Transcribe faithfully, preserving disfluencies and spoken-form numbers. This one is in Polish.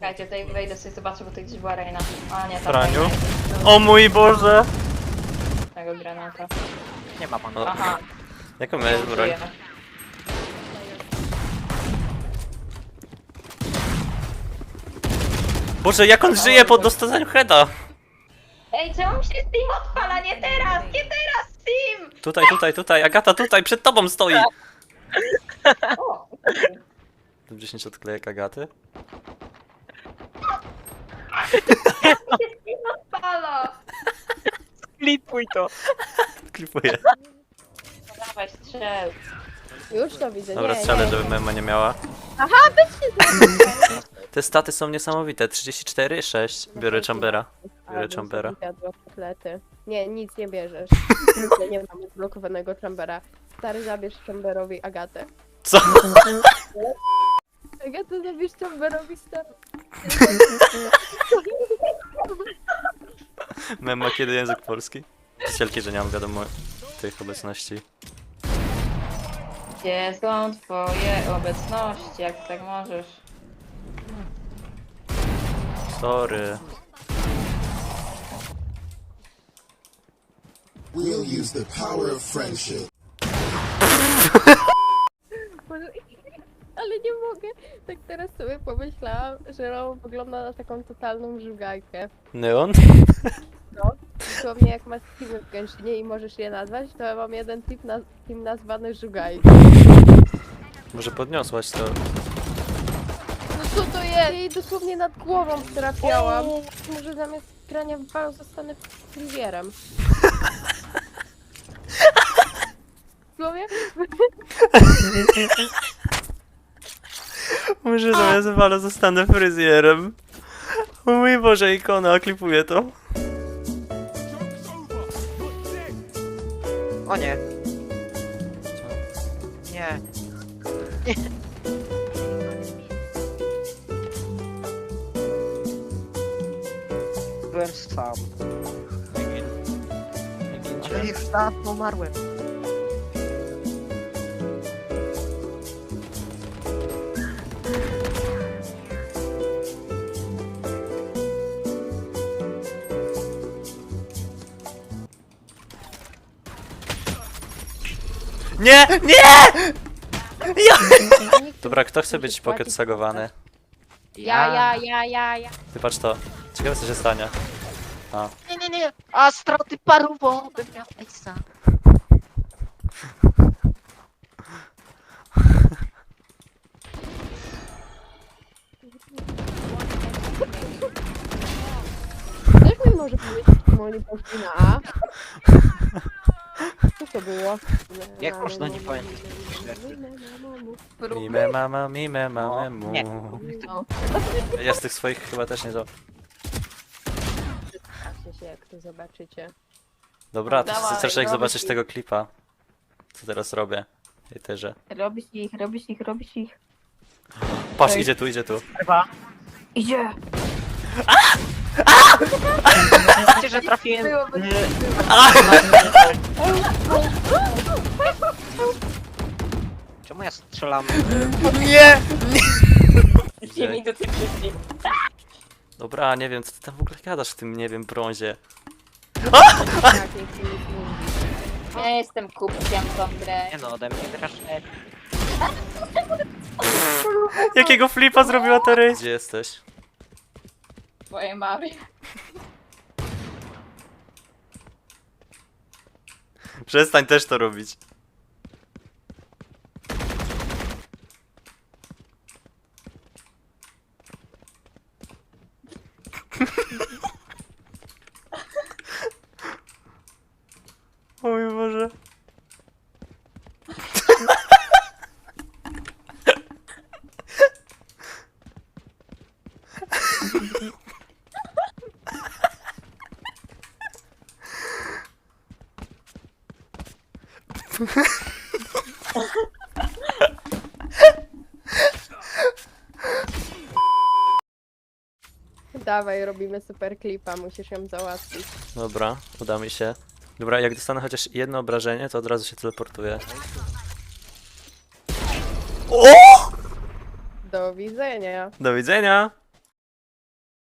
Czekajcie, tutaj wejdę sobie zobaczę, bo tutaj gdzieś była Reina. A nie, tam Franiu? Reina jest. O mój Boże! Tego granata. Nie ma pan. Aha, Jaką miałeś broń? żyje. Boże, jak on żyje po dostaniu heada? Ej, czemu mi się Steam odpala? Nie teraz! Nie teraz, Steam! Tutaj, tutaj, tutaj, Agata, tutaj, przed tobą stoi! O! dziesięć odklejek Agaty. Mi się Steam odpala! Klipuj to. Klipuję. No dawaj, strzel. Już to widzę, Dobra, nie, strzelę, nie. żeby mema nie miała. Aha, bycie Te staty są niesamowite. trzydzieści cztery, sześć. Biorę Chambera. Biorę Chambera. Kotlety. Nie, nic nie bierzesz. Nie, nie mam zblokowanego Chambera. Stary, zabierz Chamberowi Agatę. Co? Agatę, zabierz Chamberowi stary. Mema, kiedy język polski? Przycielki, że nie mam wiadomo tych obecności. Gdzie są twoje obecności, jak tak możesz? Sorry. We'll use the power of friendship. Boże, ale nie mogę. Tak teraz sobie pomyślałam, że Ro wygląda na taką totalną żugajkę. Neon? No, dosłownie jak masz teamy w Genshinie i możesz je nazwać, to ja mam jeden team, naz team nazwany żugajką. Może podniosłaś to. No co to jest? Jej dosłownie nad głową trafiałam. Może zamiast grania w bal zostanę frizjerem. Słowie? Może zamiast wala zostanę fryzjerem. O mój Boże, ikona, klipuję to. O nie. Nie. Nie. Byłem sam. Ale już dawno umarłem. Nie! Nie! Ja! Dobra, kto chce być pocket sagowany? Ja, ja, ja, ja, ja. Ty patrz to. Ciekawe co się stanie. A. Nie, nie, nie. A straty paru, bo bym miał Ejsa. Też mi może powiedzieć, czemu oni poszli na A? Co to było? Jak można nie pamiętać? Mime mama, mime mama mu. Nie. No, Ja z tych swoich chyba też nie za... patrzcie się jak to zobaczycie. Dobra, to Dawaj, chcesz jak robisz zobaczyć ich. tego klipa. Co teraz robię? I też. Robisz ich, robisz ich, robisz ich. Patrz, idzie tu, idzie tu. Chyba. Idzie! Wiecie, że trafiłem. Byłoby- Czemu ja strzelam? Nie! Dwie minuty wcześniej. Dobra, nie wiem, co ty tam w ogóle gadasz w tym, nie wiem, brązie. Tak, nie chcę nic mówić. Ja jestem kupciem tą grę. Nie no, ode mnie grasz. Jakiego flipa zrobiła ta Rey? Gdzie jesteś? Twojej mamie. Przestań też to robić. O mój Boże. Dawaj, robimy super klipa, musisz ją załatwić. Dobra, uda mi się. Dobra, jak dostanę chociaż jedno obrażenie, to od razu się teleportuję. O! Do widzenia. Do widzenia!